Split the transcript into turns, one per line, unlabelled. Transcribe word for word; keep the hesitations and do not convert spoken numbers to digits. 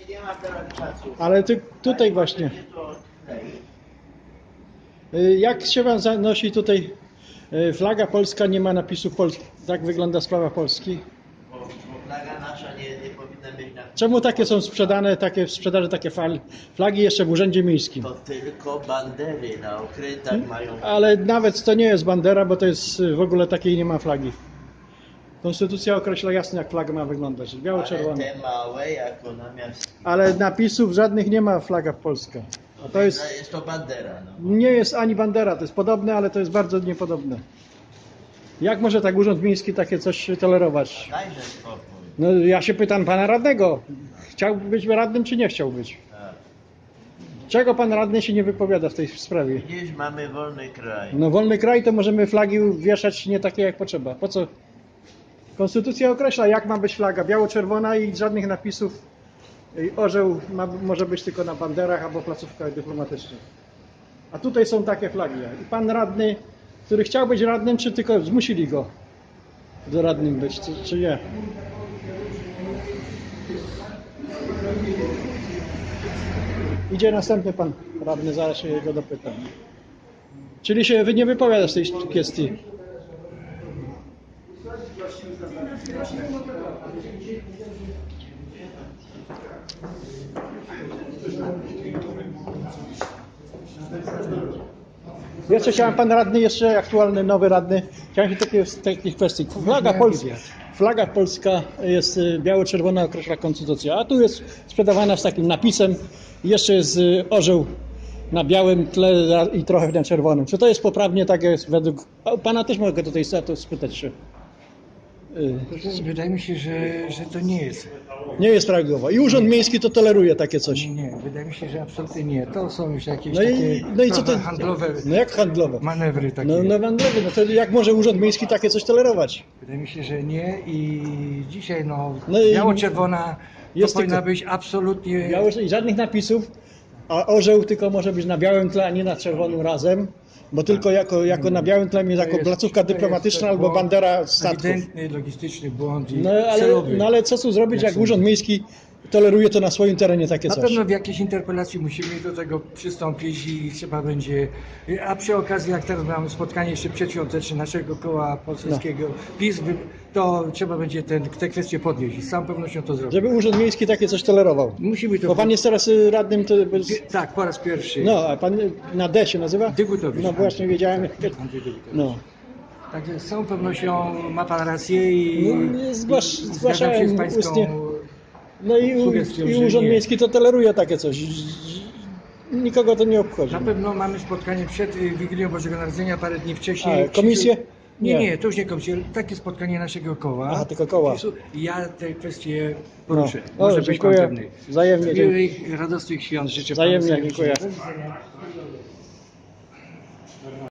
Nie ma teraz czasu.
Ale ty, tutaj właśnie. Y, Jak się wam zanosi tutaj y, flaga polska, nie ma napisu Polski. Tak wygląda sprawa Polski.
Bo, bo flaga nasza nie, nie powinna być na...
Czemu takie są sprzedane, takie w sprzedaży takie fal, flagi jeszcze w urzędzie miejskim?
To tylko bandery na okrętach mają...
Ale nawet to nie jest bandera, bo to jest y, w ogóle takiej nie ma flagi. Konstytucja określa jasno, jak flaga ma wyglądać.
Ale
Biało-czerwona.
te małe jako namiast...
Ale napisów żadnych nie ma flaga polska. A to jest,
jest to bandera, no.
nie jest ani bandera, to jest podobne, ale to jest bardzo niepodobne. Jak może tak urząd miejski takie coś tolerować?
Dajże spokój.
No ja się pytam pana radnego. Chciał być radnym, czy nie chciał być?
Tak.
Czego pan radny się nie wypowiada w tej sprawie?
Widzisz, mamy wolny kraj.
No wolny kraj, to możemy flagi wieszać nie takie jak potrzeba. Po co? Konstytucja określa, jak ma być flaga. Biało-czerwona i żadnych napisów. I orzeł ma, może być tylko na banderach albo placówkach dyplomatycznych. A tutaj są takie flagi. I pan radny, który chciał być radnym, czy tylko zmusili go do radnym być, czy, czy nie? Idzie następny pan radny, zaraz się go dopytam. Czyli się wy nie wypowiada z tej kwestii. Jeszcze chciałem, pan radny, jeszcze aktualny, nowy radny, chciałem się takie, z takich kwestii. Flaga polska, flaga polska jest y, biało-czerwona, określa konstytucja, a tu jest sprzedawana z takim napisem, jeszcze jest y, orzeł na białym tle i trochę na czerwonym. Czy to jest poprawnie, tak jest według... A pana też mogę tutaj spytać się. Y,
Wydaje mi się, że, że to nie jest.
Nie jest prawidłowo. I Urząd Miejski to toleruje takie coś.
Nie, nie, wydaje mi się, że absolutnie nie. To są już jakieś
No i,
takie
no i co to?
handlowe
No jak handlowe?
manewry takie.
No, no handlowe, no to jak może Urząd Miejski takie coś tolerować?
Wydaje mi się, że nie i dzisiaj no,
No i-
biało-czerwona
Jest
to powinna
tylko-
być absolutnie...
Biały, i żadnych napisów, a orzeł tylko może być na białym tle, a nie na czerwonym razem, bo tylko jako, jako na białym tle,
To
jako
jest-
placówka
to jest
dyplomatyczna albo
błąd,
bandera statków.
Ewidentny, logistyczny błąd i
No ale,
celowy.
no ale co tu zrobić,
Jak
jak
sądzę.
Urząd Miejski toleruje to na swoim terenie takie
Na
coś?
pewno w jakiejś interpelacji musimy do tego przystąpić i trzeba będzie. A przy okazji, jak teraz mamy spotkanie jeszcze przedświąteczne naszego koła poselskiego PiS, wy- to trzeba będzie ten, te kwestie podnieść i z całą pewnością to zrobić.
Żeby Urząd Miejski takie coś tolerował.
Musimy to.
Bo pan jest teraz y, radnym, to...
Tak, po raz pierwszy.
No, a pan na D się nazywa?
Dygutowicz.
No właśnie wiedziałem.
Andrzej Dygutowicz.
No.
Także z całą pewnością ma pan rację i,
No, nie, zgłasz-
i zgadzam
zgłaszałem
się z pańską.
ustnie. No i, u,
Sugestią,
i
że
Urząd
nie.
Miejski to toleruje takie coś. Nikogo to nie obchodzi.
Na pewno mamy spotkanie przed y, Wigilią Bożego Narodzenia, parę dni wcześniej.
A, komisję?
Nie,
Nie.
nie, to już nie komisję. Takie spotkanie naszego koła.
Aha, tylko koła.
PiSu. I ja te kwestie poruszę.
No.
Może
O,
być pan
dziękuję.
pewny.
Wzajemnie.
Miłych, radosnych świąt życzę
Wzajemnie,
panu
dziękuję.
serdecznie.